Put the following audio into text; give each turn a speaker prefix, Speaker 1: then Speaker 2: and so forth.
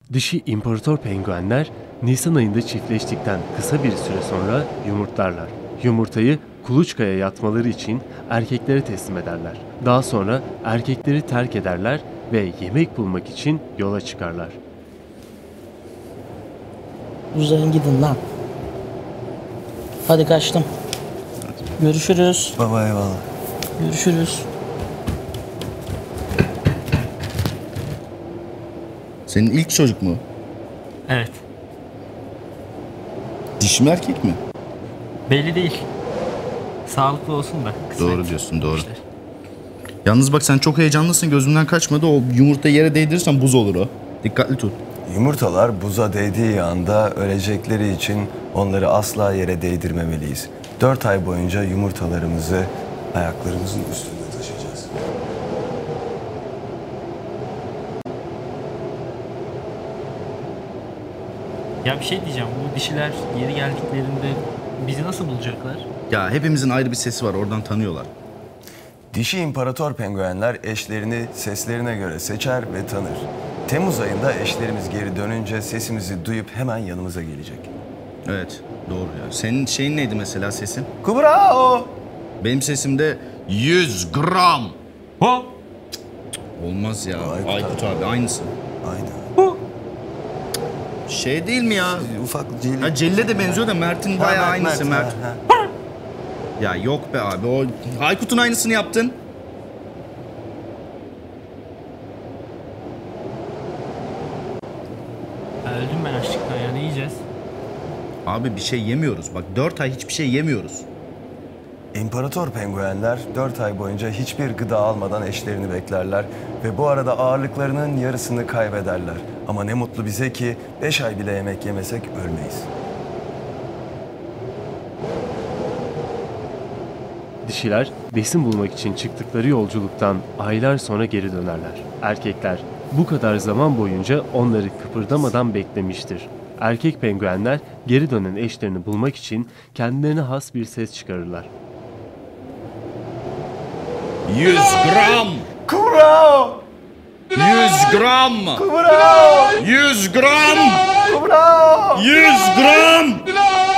Speaker 1: Dişi imparator penguenler Nisan ayında çiftleştikten kısa bir süre sonra yumurtlarlar. Yumurtayı kuluçkaya yatmaları için erkeklere teslim ederler. Daha sonra erkekleri terk ederler ve yemek bulmak için yola çıkarlar.
Speaker 2: Uzayın gidin lan. Hadi kaçtım. Görüşürüz.
Speaker 3: Baba eyvallah.
Speaker 2: Görüşürüz.
Speaker 4: Senin ilk çocuk mu?
Speaker 5: Evet.
Speaker 4: Dişi mi erkek mi?
Speaker 5: Belli değil. Sağlıklı olsun da. Kısmet.
Speaker 4: Doğru diyorsun, doğru.
Speaker 5: İşte.
Speaker 4: Yalnız bak sen çok heyecanlısın, gözümden kaçmadı. O yumurtayı yere değdirirsen buz olur o. Dikkatli tut.
Speaker 3: Yumurtalar buza değdiği anda ölecekleri için onları asla yere değdirmemeliyiz. 4 ay boyunca yumurtalarımızı ayaklarımızın üstünde taşıyacağız.
Speaker 5: Ya bir şey diyeceğim. Bu dişiler geri geldiklerinde bizi nasıl bulacaklar?
Speaker 4: Ya hepimizin ayrı bir sesi var, oradan tanıyorlar.
Speaker 3: Dişi imparator penguenler eşlerini seslerine göre seçer ve tanır. Temmuz ayında eşlerimiz geri dönünce sesimizi duyup hemen yanımıza gelecek.
Speaker 4: Evet, doğru ya. Senin şeyin neydi mesela, sesin?
Speaker 3: Kubrao!
Speaker 4: Benim sesim de 100 gram.
Speaker 5: Ho!
Speaker 4: Olmaz ya.
Speaker 3: Aykut
Speaker 4: Aykut abi aynısı.
Speaker 3: Aynen.
Speaker 4: Şey değil mi ya?
Speaker 3: Ufak celi.
Speaker 4: Ha Celil'e de benziyor da Mert'in bayağı aynısı Mert.
Speaker 3: ha.
Speaker 4: Ya yok be abi, o Aykut'un aynısını yaptın.
Speaker 5: Ya öldüm ben açlıktan ya. Ne yiyeceğiz?
Speaker 4: Abi bir şey yemiyoruz. Bak 4 ay hiçbir şey yemiyoruz.
Speaker 3: İmparator penguenler 4 ay boyunca hiçbir gıda almadan eşlerini beklerler ve bu arada ağırlıklarının yarısını kaybederler. Ama ne mutlu bize ki 5 ay bile yemek yemesek ölmeyiz.
Speaker 1: Dişiler besin bulmak için çıktıkları yolculuktan aylar sonra geri dönerler. Erkekler bu kadar zaman boyunca onları kıpırdamadan beklemiştir. Erkek penguenler geri dönen eşlerini bulmak için kendilerine has bir ses çıkarırlar.
Speaker 4: 100 gram!
Speaker 3: Kubrao!
Speaker 4: 100 gram!
Speaker 3: Kubrao!
Speaker 4: 100 gram!
Speaker 3: Kubrao!
Speaker 4: 100 gram!